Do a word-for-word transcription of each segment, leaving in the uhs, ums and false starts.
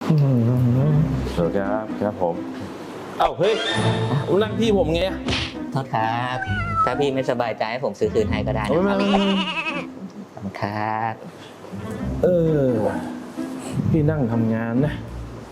สวัสดีครับครับผมเอ้าเฮ้ยนั่งพี่ผมไงโทษครับถ้าพี่ไม่สบายใจให้ผมซื้อคืนให้ก็ได้นะครับขอบคุณครับเออพี่นั่งทำงานนะ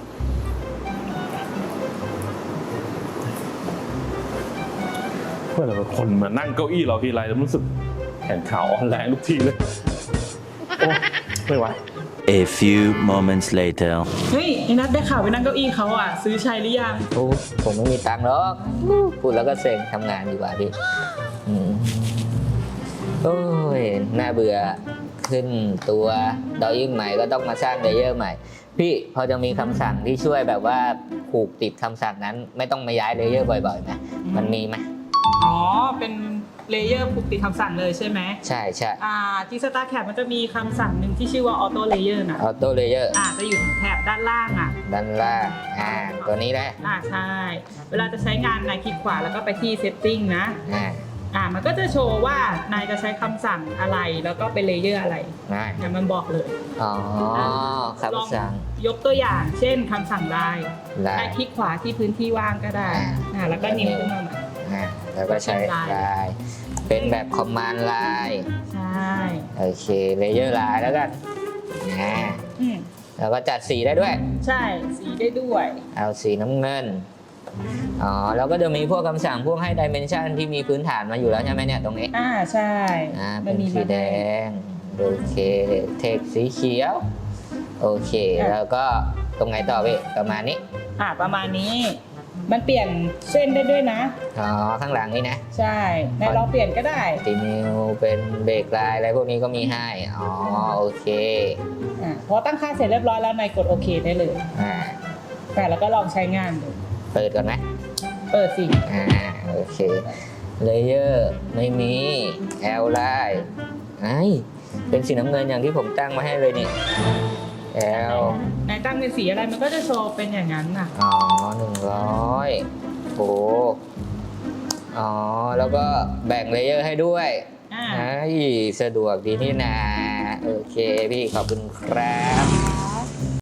เมื่อไหร่คนมานั่งเก้าอี้เราทีไรแล้วรู้สึกแขนขาอ่อนแรงทุกทีเลยโอ้ไม่ไหว A few moments later เฮ้ยไอ้นัทได้ข่าวไปนั่งเก้าอี้เขาอ่ะซื้อใช้หรือยังโอ้ผมไม่มีตังค์หรอกพูดแล้วก็เซ็งทำงานดีกว่าพี่อืมโอ้ยน่าเบื่อขึ้นตัวดอยิ่งใหม่ก็ต้องมาสร้างเลเยอร์ใหม่พี่พอจะมีคำสั่งที่ช่วยแบบว่าผูกติดคำสั่งนั้นไม่ต้องมาย้ายเลเยอร์บ่อยๆไหมมันมีไหมอ๋อเป็นเลเยอร์ผูกติดคำสั่งเลยใช่ไหมใช่ใช่อ่าที่สตาร์แคปมันจะมีคำสั่งหนึ่งที่ชื่อว่าออโต้เลเยอร์นะออโต้เลเยอร์อ่าจะอยู่แถบด้านล่างอ่ะด้านล่างอ่าตัวนี้แหละอ่าใช่เวลาจะใช้งานนายคลิกขวาแล้วก็ไปที่ setting นะอ่าอ่ามันก็จะโชว์ว่านายจะใช้คำสั่งอะไรแล้วก็เป็นเลเยอร์อะไรอ่าเนี่ยมันบอกเลยอ๋อลองคำสั่งยกตัวอย่างเช่นคำสั่งได้ได้นายคลิกขวาที่พื้นที่ว่างก็ได้อ่าอ่าแล้วก็นิ้วขึ้นมาใหม่อ่าแล้วก็ใช้เป็นลายลายเป็นแบบคอมมานด์ไลน์ใช่โอเคเลเยอร์ไลน์แล้วกันอ่าอืมแล้วก็จัดสีได้ด้วยใช่สีได้ด้วยเอาสีน้ำเงินอ๋อแล้วก็จะมีพวกคำสั่งพวกให้ดิเมนชันที่มีพื้นฐานมาอยู่แล้วใช่ไหมเนี่ยตรงนี้อ่าใช่อ่ามัเป็นมีสีแดงโอเคเทคสีเขียวโอเคแล้วก็ตรงไหนต่อพี่ประมาณนี้อ่าประมาณนี้ มันเปลี่ยนเส้นได้ด้วยนะอ๋อข้างหลังนี่นะใช่ในลองเปลี่ยนก็ได้ตีนิวเป็นเบรกไลน์อะไรพวกนี้ก็มีให้อ๋อโอเคอ่าพอตั้งค่าเสร็จเรียบร้อยแล้วนายกดโอเคได้เลยอ่าแต่แล้วก็ลองใช้งานดูเปิดก่อนไหมเปิดสิอ่าโอเคเลเยอร์ไม่มีแอลไลน์ไอ้เป็นสีน้ำเงินอย่างที่ผมตั้งมาให้เลยนี่แอลนายตั้งเป็นสีอะไรมันก็จะโชว์เป็นอย่างนั้นน่ะอ๋อหนึ่งร้อยโอ้อ๋อแล้วก็แบ่งเลเยอร์ให้ด้วยอ่าไอ้สะดวกดีนี่นาโอเคพี่ขอบคุณครับ